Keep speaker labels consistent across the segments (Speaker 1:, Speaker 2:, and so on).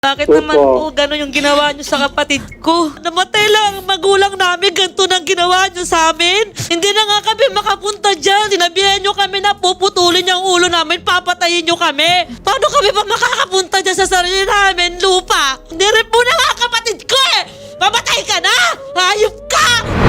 Speaker 1: Bakit naman po gano'n yung ginawa niyo sa kapatid ko? Namatay lang ang magulang namin, ganito nang ginawa niyo sa amin. Hindi na nga kami makapunta dyan. Sinabihan niyo kami na puputulin yung ulo namin, papatayin niyo kami. Paano kami pa makakapunta dyan sa sarili namin, lupa? Hindi rin po na nga kapatid ko eh! Mamatay ka na! Hayop ka!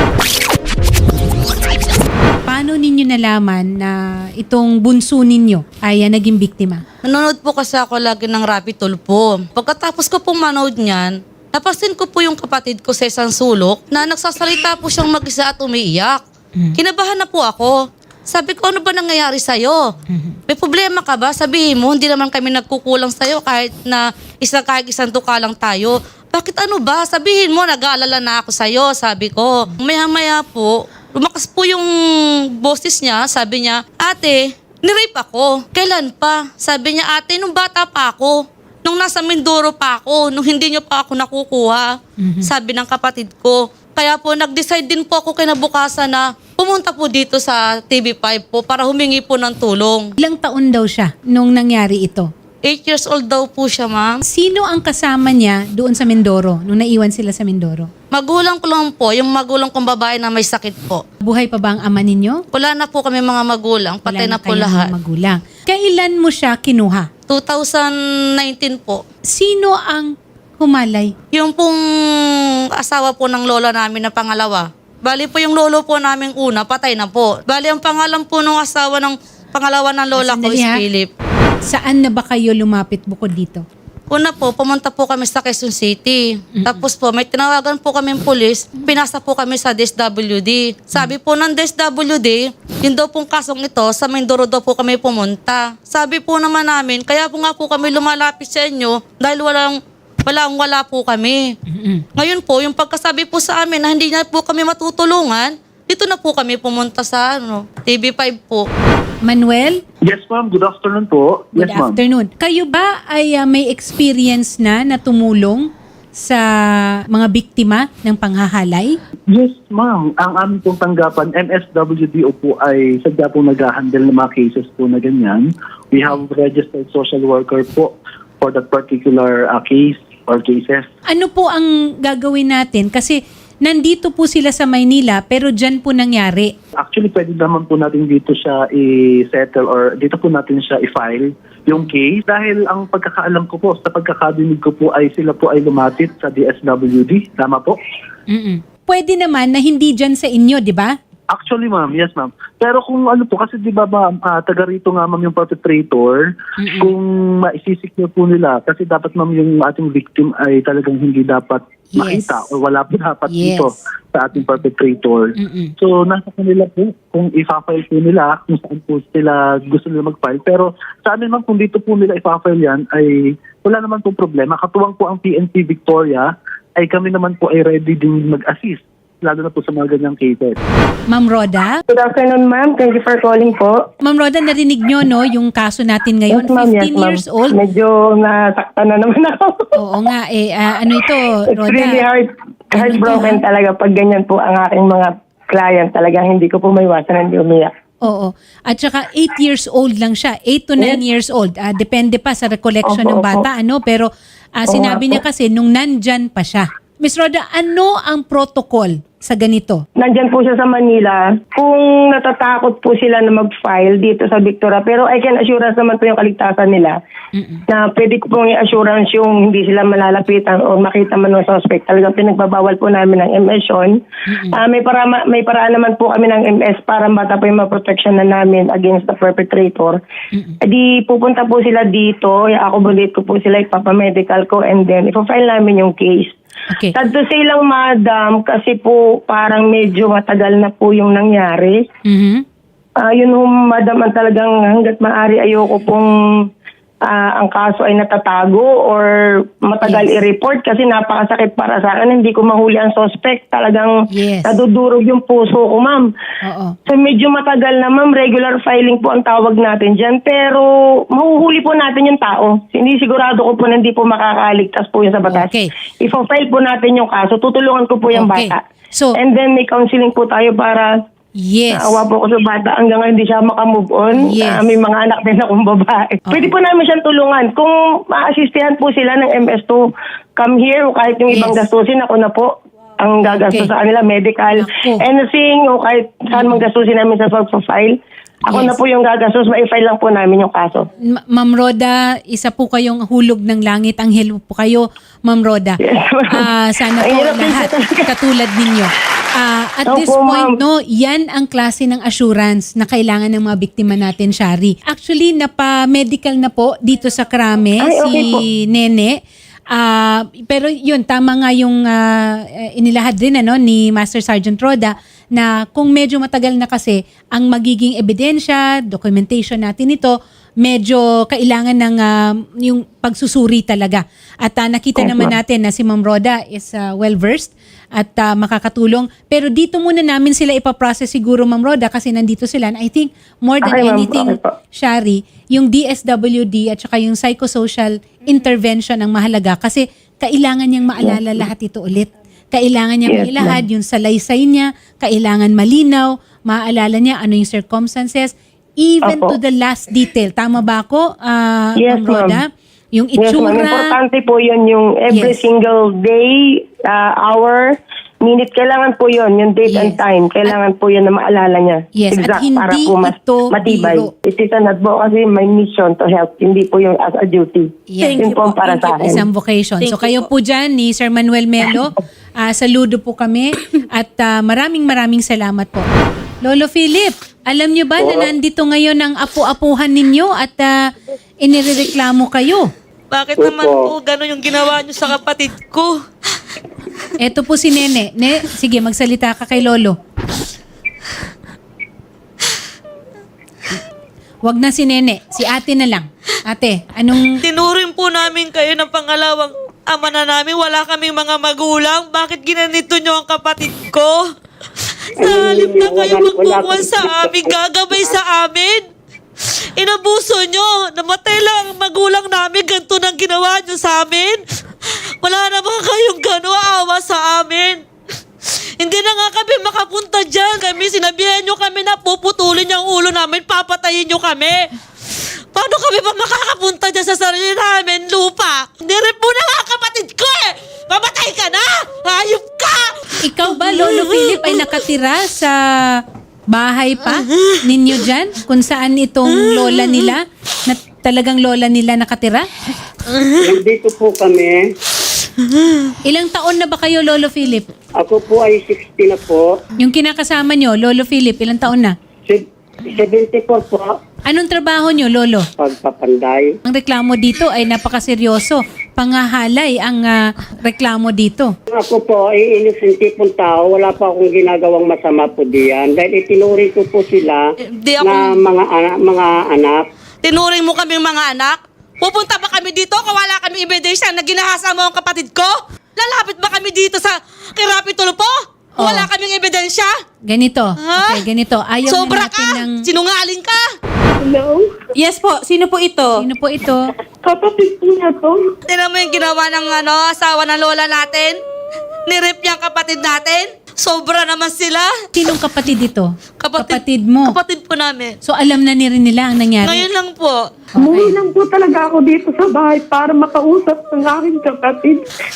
Speaker 2: Paano ninyo nalaman na itong bunso ninyo ay naging biktima?
Speaker 1: Nanonood po kasi ako lagi ng Rapi Tulpo. Pagkatapos ko pong manood niyan, napasin ko po yung kapatid ko sa isang sulok na nagsasalita po siyang mag-isa at umiiyak. Kinabahan na po ako. Sabi ko, ano ba nangyayari sa'yo? May problema ka ba? Sabihin mo, hindi naman kami nagkukulang sa'yo kahit isang tuka lang tayo. Bakit ano ba? Sabihin mo, nag-aalala na ako sa'yo, sabi ko. Maya-maya po, lumakas po yung boses niya, sabi niya, ate, nirape ako. Kailan pa? Sabi niya, ate, nung bata pa ako. Nung nasa Mindoro pa ako, nung hindi niyo pa ako nakukuha. Sabi ng kapatid ko. Kaya po, nag-decide din po ako kinabukasan na pumunta po dito sa TV5 po para humingi po ng tulong.
Speaker 2: Ilang taon daw siya nung nangyari ito?
Speaker 1: 8 years old daw po siya, ma'am.
Speaker 2: Sino ang kasama niya doon sa Mindoro nung naiwan sila sa Mindoro?
Speaker 1: Magulang ko lang po, yung magulang kong babae na may sakit po.
Speaker 2: Buhay pa ba ang ama ninyo?
Speaker 1: Wala na po kami mga magulang, patay
Speaker 2: Wala
Speaker 1: na po
Speaker 2: kayong
Speaker 1: lahat.
Speaker 2: magulang. Kailan mo siya kinuha?
Speaker 1: 2019 po.
Speaker 2: Sino ang humalay?
Speaker 1: Yung pong asawa po ng lola namin na pangalawa. Bali po yung lolo po namin una, patay na po. Bali ang pangalan po ng asawa ng pangalawa ng lola ko is
Speaker 2: Sandali, ha?
Speaker 1: Philip.
Speaker 2: Saan na ba kayo lumapit bukod dito?
Speaker 1: Una po, pumunta po kami sa Quezon City. Tapos po, may tinawagan po kami pulis. Pinasa po kami sa DSWD. Sabi po ng DSWD, yun daw pong kasong ito, sa Mindoro daw po kami pumunta. Sabi po naman namin, kaya po nga po kami lumalapit sa inyo dahil wala po kami. Ngayon po, yung pagkasabi po sa amin na hindi na po kami matutulungan, dito na po kami pumunta sa TV5 po.
Speaker 2: Manuel,
Speaker 3: Yes, ma'am. Good afternoon po.
Speaker 2: good
Speaker 3: Yes, ma'am.
Speaker 2: afternoon. Kayo ba ay may experience na tumulong sa mga biktima ng panghahalay?
Speaker 3: Yes, ma'am. Ang aming pong tanggapan, MSWDO po ay sadya po nag-handle ng mga cases po na ganyan. We have registered social worker po for that particular case or cases.
Speaker 2: Ano po ang gagawin natin? Kasi nandito po sila sa Maynila pero dyan po nangyari.
Speaker 3: Actually, pwede naman po natin dito siya i-settle or dito po natin siya i-file yung case. Dahil ang pagkakaalam ko po, sa pagkakadinig ko po ay sila po ay lumapit sa DSWD. Tama po?
Speaker 2: Pwede naman na hindi dyan sa inyo, di ba?
Speaker 3: Actually, ma'am, yes, ma'am. Pero kung ano po, kasi di ba ma'am, taga rito nga ma'am yung perpetrator, kung maisisik niyo po nila, kasi dapat ma'am yung ating victim ay talagang hindi dapat
Speaker 2: Yes.
Speaker 3: makita o wala po dapat
Speaker 2: Yes.
Speaker 3: dito sa ating perpetrator. So, nasa kanila po kung i-file po nila, kung saan po sila gusto nila mag-file. Pero sa amin ma'am, kung dito po nila i-file yan, ay wala naman pong problema. Katuwang po ang PNP Victoria, ay kami naman po ay ready din mag-assist, lalo na po sa mga ganyang cases.
Speaker 2: Ma'am Roda?
Speaker 4: Good afternoon, ma'am. Thank you for calling po.
Speaker 2: Ma'am Roda, narinig nyo, no, yung kaso natin ngayon, 15 years old.
Speaker 4: Medyo nasaktan na naman ako.
Speaker 2: Oo nga, ano ito,
Speaker 4: It's
Speaker 2: Roda?
Speaker 4: really heartbroken talaga pag ganyan po ang aking mga client. Talaga hindi ko po maiwasan hindi umiyak.
Speaker 2: Oo. At saka 8 years old lang siya. 8 to 9 years old. Depende pa sa recollection ng
Speaker 4: Opo,
Speaker 2: bata, ano? Pero sinabi niya kasi nung nandyan pa siya. Miss Roda, ano ang protocol sa ganito?
Speaker 4: Nandyan po siya sa Manila. Kung natatakot po sila na mag-file dito sa Victoria, pero I can assurance naman po yung kaligtasan nila na pwede ko pong i-assurance yung hindi sila malalapitan o makita man ng suspect. Talagang pinagbabawal po namin ng MS yun. May paraan naman po kami ng MS para bata po yung maprotection na namin against the perpetrator. Di pupunta po sila dito, i-accommodate ko po sila, ipapamedical ko, and then ipafile namin yung case.
Speaker 2: Okay.
Speaker 4: Sad to say lang, madam, kasi po parang medyo matagal na po yung nangyari. Yun madam, ang talagang hanggat maaari ayoko pong ang kaso ay natatago or matagal i-report kasi napakasakit para sa akin. Hindi ko mahuli ang suspect. Talagang nadudurog yung puso ko, ma'am.
Speaker 2: Oo.
Speaker 4: So medyo matagal na, ma'am. Regular filing po ang tawag natin dyan. Pero mahuhuli po natin yung tao. Hindi sigurado ko po na hindi po makakaligtas po yun sa batas.
Speaker 2: Okay.
Speaker 4: Ifo-file po natin yung kaso. Tutulungan ko po yung
Speaker 2: Okay.
Speaker 4: bata.
Speaker 2: So,
Speaker 4: And then may counseling po tayo para
Speaker 2: Yes.
Speaker 4: Naawa po ako sa bata hanggang ngayon hindi siya makamove on.
Speaker 2: Yes.
Speaker 4: May mga anak din akong babae. Pwede po namin siyang tulungan. Kung ma-assistihan po sila ng MS to come here o kahit yung ibang
Speaker 2: Yes.
Speaker 4: gastusin, ako na po ang gagastos
Speaker 2: Okay.
Speaker 4: sa kanila, medical,
Speaker 2: Ako.
Speaker 4: anything, o kahit saan mang gastusin namin sa pag-file. Ako
Speaker 2: Yes.
Speaker 4: na po yung gagastos, ma-file lang po namin yung kaso.
Speaker 2: Ma'am Roda, isa po kayong hulog ng langit. Anghel po kayo, Ma'am Roda.
Speaker 4: Yes, ma'am.
Speaker 2: Sana
Speaker 4: Ang
Speaker 2: po
Speaker 4: hirap din
Speaker 2: lahat
Speaker 4: po talaga.
Speaker 2: katulad ninyo. At
Speaker 4: Opo,
Speaker 2: this point,
Speaker 4: ma'am.
Speaker 2: no, yan ang klase ng assurance na kailangan ng mga biktima natin, Shari. Actually, napa-medical na po dito sa Krame
Speaker 4: Ay, okay
Speaker 2: si
Speaker 4: po.
Speaker 2: Nene. Pero yun, tama nga yung inilahad din ni Master Sergeant Roda na kung medyo matagal na kasi ang magiging ebidensya, documentation natin ito, medyo kailangan ng yung pagsusuri talaga. At nakita
Speaker 4: Yes,
Speaker 2: naman
Speaker 4: ma'am.
Speaker 2: natin na si Ma'am Roda is well-versed at makakatulong. Pero dito muna namin sila ipaprocess siguro, Ma'am Roda, kasi nandito sila. And I think more than
Speaker 4: Okay, ma'am.
Speaker 2: anything,
Speaker 4: Okay po.
Speaker 2: Shari, yung DSWD at saka yung psychosocial intervention ang mahalaga kasi kailangan niyang maalala lahat ito ulit. Kailangan niyang
Speaker 4: Yes,
Speaker 2: mailahad yung salaysay niya, kailangan malinaw, maaalala niya ano yung circumstances, even
Speaker 4: Opo.
Speaker 2: to the last detail. Tama ba ako,
Speaker 4: Yes,
Speaker 2: Ma'am Roda? Yung
Speaker 4: Yes, ma'am.
Speaker 2: itsura.
Speaker 4: Importante po yun yung every
Speaker 2: Yes.
Speaker 4: single day, hour, minute. Kailangan po yun, yung date and
Speaker 2: Yes.
Speaker 4: time. Kailangan po yun na maalala niya.
Speaker 2: Yes, at
Speaker 4: Exact, para
Speaker 2: hindi
Speaker 4: po mas
Speaker 2: ito
Speaker 4: matibay.
Speaker 2: biro.
Speaker 4: It is an advocacy, my mission to help. Hindi po yung as a duty.
Speaker 2: Yes.
Speaker 4: Yun po ang para sa akin.
Speaker 2: Isang vocation.
Speaker 1: Thank
Speaker 2: So
Speaker 1: you
Speaker 2: kayo po dyan ni Sir Manuel Melo, saludo po kami at maraming salamat po. Lolo Philip, alam nyo ba na nandito ngayon ang apu-apuhan ninyo at inireklamo kayo?
Speaker 1: Bakit naman po gano'n yung ginawa niyo sa kapatid ko?
Speaker 2: Eto po si Nene. Sige, magsalita ka kay Lolo. Wag na si Nene, si ate na lang. Ate, anong...
Speaker 1: Tinuring po namin kayo ng pangalawang ama na namin. Wala kaming mga magulang. Bakit ginanito niyo ang kapatid ko? Sa halip na kayo magbubuwan sa amin, gagabay sa amin. Inabuso nyo. Namatay lang ang magulang namin. Ganito nang ginawa nyo sa amin. Wala naman kayong gano'n awa sa amin. Hindi na nga kami makapunta dyan. Sinabihan nyo kami na puputulin yung ulo namin, papatayin nyo kami. Paano kami pa makakapunta dyan sa sarili namin, lupa? Hindi rin po na nga kapatid ko eh! Mamatay ka na! Hayop ka!
Speaker 2: Ikaw ba, Lolo Philip, ay nakatira sa bahay pa ninyo dyan? Kung saan itong lola nila, na talagang lola nila nakatira?
Speaker 5: Nandito po kami.
Speaker 2: Ilang taon na ba kayo, Lolo Philip?
Speaker 5: Ako po ay 60 na po.
Speaker 2: Yung kinakasama nyo, Lolo Philip, ilang taon na?
Speaker 5: 74 po.
Speaker 2: Anong trabaho nyo, Lolo?
Speaker 5: Pagpapanday.
Speaker 2: Ang reklamo dito ay napakaseryoso. Pangahalay ang reklamo dito.
Speaker 5: Ako po ay innocent pong tao. Wala pa akong ginagawang masama po diyan. Dahil itinuring ko po sila
Speaker 1: Di ako...
Speaker 5: na mga anak.
Speaker 1: Tinuring mo kaming mga anak? Pupunta ba kami dito kung wala kami ebidensya na ginahasa mo ang kapatid ko? Lalapit ba kami dito sa Kirapi Tulpo?
Speaker 2: Oh.
Speaker 1: Wala kaming ebidensya?
Speaker 2: Ganito.
Speaker 1: Ha?
Speaker 2: Okay, ganito. Ayaw
Speaker 1: Sobra
Speaker 2: na natin
Speaker 1: ka!
Speaker 2: ng...
Speaker 1: Sinungaling ka!
Speaker 4: Hello?
Speaker 6: Yes po. Sino po ito?
Speaker 2: Sino po ito?
Speaker 4: Kapatid po na to.
Speaker 1: Tingnan mo yung ginawa ng asawa ng lola natin? Nirip niya ang kapatid natin? Sobra naman sila.
Speaker 2: Sinong kapatid ito? Kapatid mo.
Speaker 1: Kapatid po namin.
Speaker 2: So alam na rin nila ang nangyari.
Speaker 1: Ngayon lang po.
Speaker 4: Umuwi lang po talaga ako dito sa bahay para makausap ng aking kapatid.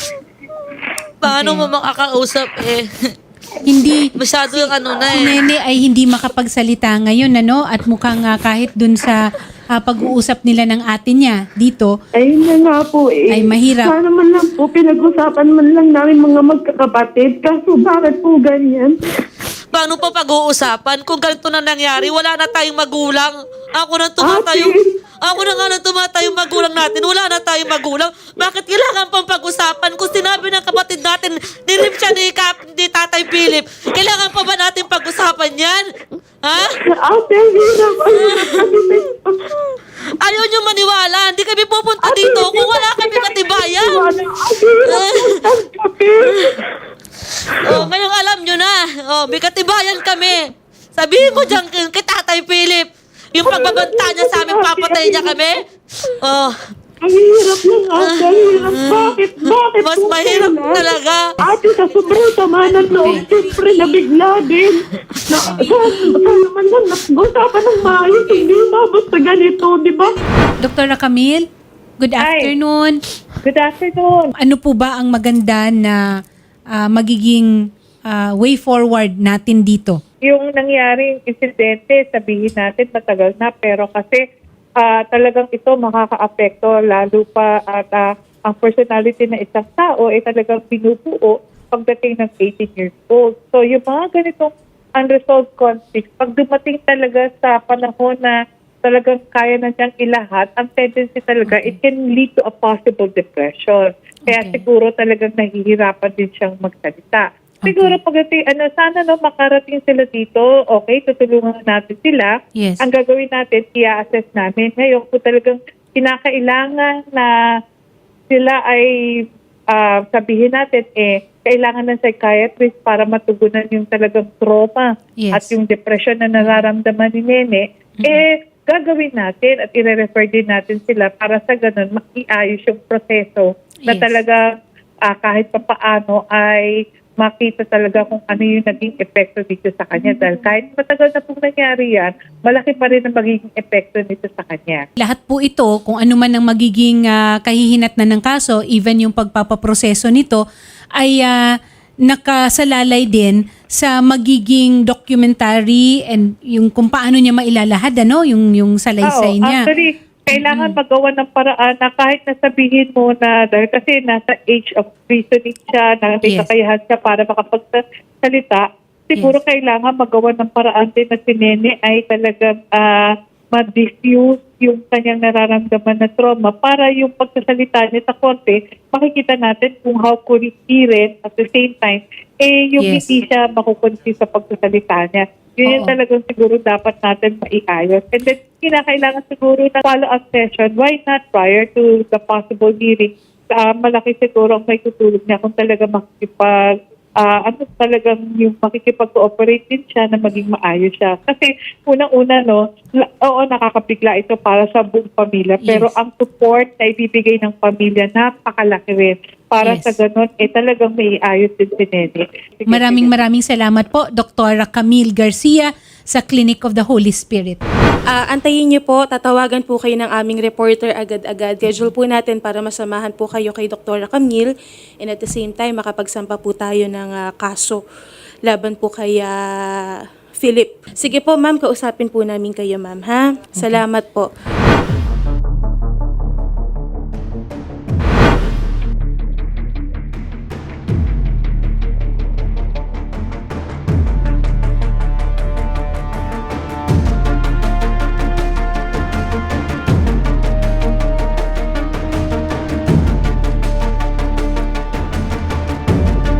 Speaker 1: Paano mo makakausap eh?
Speaker 2: Hindi
Speaker 1: Masyado yung na
Speaker 2: si
Speaker 1: eh.
Speaker 2: Nene ay hindi makapagsalita ngayon at mukhang kahit dun sa pag-uusap nila ng ate niya dito
Speaker 4: Ayun na nga po eh.
Speaker 2: ay mahirap.
Speaker 4: Sana man lang po, pinag-usapan man lang namin mga magkakapatid. Kaso bakit po ganyan?
Speaker 1: Paano pa pag-uusapan? Kung ganito na nangyari, wala na tayong magulang. Ako na tumatayong... Ako na nga nang tumatayong magulang natin. Wala na tayong magulang. Bakit kailangan pang pag-usapan? Kung sinabi ng kapatid natin, nirip siya ni Tatay Philip, kailangan pa ba natin pag-usapan yan? Ha?
Speaker 4: Ate, hirap.
Speaker 1: Ayaw niyo maniwala. Hindi kami pupunta dito kung wala kami katibayan. Oh, ngayong alam nyo na. Oh, may katibayan kami. Sabihin mo dyan kay Tatay Philip, yung pagbabanta niya sa amin, papatay niya kami. Oh,
Speaker 4: Ang hirap ng ate. Ang hirap. Bakit ba?
Speaker 6: bakit
Speaker 1: Mas
Speaker 6: po
Speaker 1: mahirap
Speaker 6: kailan?
Speaker 1: talaga.
Speaker 6: Ate, sa sobrang sama ng loob, siyempre nabigla din. Sana naman lang, nag-usapan ng maayos, hindi umabot sa ganito, di ba?
Speaker 2: Dr. Camille, good afternoon.
Speaker 6: Good afternoon.
Speaker 2: Ano po ba ang maganda na magiging way forward natin dito?
Speaker 7: Yung nangyaring insidente, sabihin natin matagal na, pero kasi talagang ito makaka-apekto lalo pa at ang personality ng isang tao ay talagang pinupuo pagdating ng 18 years old. So yung mga ganitong unresolved conflicts, pag dumating talaga sa panahon na talagang kaya na siyang ilahat, ang tendency talaga, it can lead to a possible depression. Kaya
Speaker 2: Okay.
Speaker 7: siguro talagang nahihirapan din siyang magsalita. Siguro pagdating, sana makarating sila dito, okay, tutulungan natin sila.
Speaker 2: Yes.
Speaker 7: Ang gagawin natin, i-assess namin. Ngayon po talagang kinakailangan na sila ay sabihin natin, kailangan ng psychiatrist para matugunan yung talagang trauma
Speaker 2: Yes.
Speaker 7: at yung depression na nararamdaman ni Nene, gagawin natin at i-refer din natin sila para sa ganun, maiayos yung proseso na
Speaker 2: Yes.
Speaker 7: talaga kahit pa paano ay makita talaga kung ano yung naging epekto dito sa kanya. Dahil kahit matagal na pong nangyari yan, malaki pa rin ang magiging epekto nito sa kanya.
Speaker 2: Lahat po ito, kung ano man ang magiging kahihinatnan ng kaso, even yung pagpapaproseso nito, ay nakasalalay din sa magiging documentary and yung kung paano niya mailalahad, yung salaysay niya.
Speaker 7: Actually, kailangan magawa ng paraan na kahit nasabihin mo na, dahil kasi nasa age of reasoning siya, na may
Speaker 2: Yes.
Speaker 7: kakayahan siya para makapagsalita, siguro kailangan magawa ng paraan din na si Nene ay talagang ma-diffuse yung kanyang nararamdaman na trauma para yung pagsasalita niya sa korte, makikita natin kung how coherent at the same time, yung
Speaker 2: Yes.
Speaker 7: hindi siya makukonsi sa pagsasalita niya. Yun yung
Speaker 2: Oo.
Speaker 7: talagang siguro dapat natin maiayos. And then, kinakailangan siguro ng follow-up session. Why not prior to the possible hearing? Malaki siguro ang may tutulog niya kung talaga talagang yung makikipag-cooperate din siya na maging maayos siya. Kasi unang-una, oo, nakakabigla ito para sa buong pamilya. Pero
Speaker 2: Yes.
Speaker 7: ang support na ibibigay ng pamilya, napakalaki rin. Para
Speaker 2: Yes.
Speaker 7: sa ganun, talagang may ayos din si Nene. Sige,
Speaker 2: Maraming salamat po, Dr. Camille Garcia sa Clinic of the Holy Spirit.
Speaker 6: Antayin niyo po, tatawagan po kayo ng aming reporter agad-agad. Schedule po natin para masamahan po kayo kay Dr. Camille and at the same time makapagsampa po tayo ng kaso laban po kay Philip. Sige po ma'am, kausapin po namin kayo ma'am ha. Salamat po.